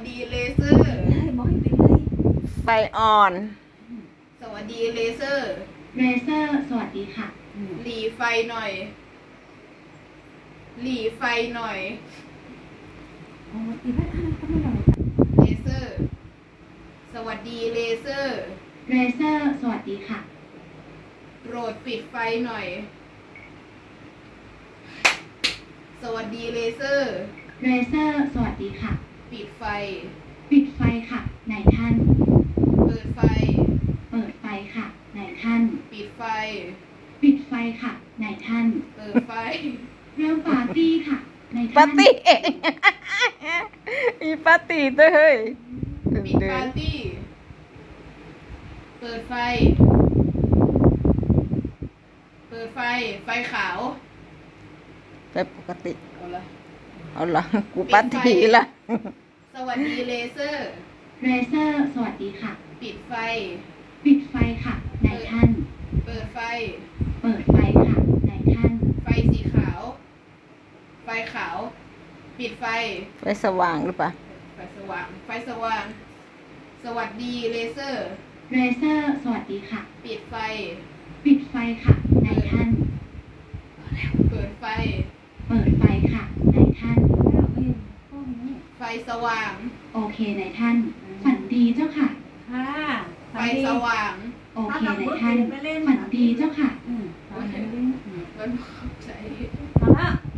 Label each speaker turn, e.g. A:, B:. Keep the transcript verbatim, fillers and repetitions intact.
A: ดีเลเซอร์
B: บอกให้เป็นเลย
C: ไฟอ่อน
A: สวัสดีเลเซอร์
D: เรเซอร์ สวัสดีค่ะ
A: หลีไฟหน่อย หลีไฟหน่อย
B: โอ้ตีพัดอะไรก็ไม่หน่อย
A: เลเซอร์ สวัสดีเลเซอร์
D: เรเซอร์ สวัสดีค่ะ
A: โปรดปิดไฟหน่อย สวัสดีเลเซอร์
D: เรเซอร์ สวัสดีค่ะ
A: ปิดไฟ
D: ปิดไฟค่ะนายท่าน
A: เปิดไฟ
D: เปิดไฟค่ะนายท่าน
A: ปิดไฟ
D: ปิดไฟค่ะนายท่าน
A: เปิดไฟ
D: เริ่มปาร์ตี้ค่ะนาย
C: ปา
D: ท่า
C: ร์
D: น
C: ตี้เองมีปาร์ตี้ด้วยเฮ้ย
A: ปิดปาร์ตี้ เปิดไฟ เปิดไฟ ไฟขาว
C: ไปปกติ
A: เอาละ
C: เอาละกูปาร์ตี้ละ
A: สวัสดีเลเซอร์
D: เรเซอร์ สวัสดีค่ะ
A: ปิดไฟ
D: ปิดไฟค่ะนายท่าน
A: เปิดไฟ
D: เปิดไฟค่ะนายท่าน
A: ไฟสีขาว ไฟขาว ปิดไฟ
C: ไฟสว่างหรือเปล่า
A: ไฟสว่าง ไฟสว่าง สวัสดีเลเซอร์
D: เรเซอร์ สวัสดีค่ะ
A: ปิดไฟ
D: ปิดไฟค่ะนายท่าน
A: เปิดไฟ
D: เปิดไฟค่ะนายท่าน
B: แล้วเอ้ยพวกนี้
A: ไฟสว่าง
D: โอเคนายท่าน ฝันดีเจ้าค่ะ
B: ค่ะ
A: ไฟสว่าง
D: โอเคนายท่าน ฝันดีเจ้าค่ะ
B: อืมตอนนี้อืม
A: มันเข้าใจ
B: เอาละ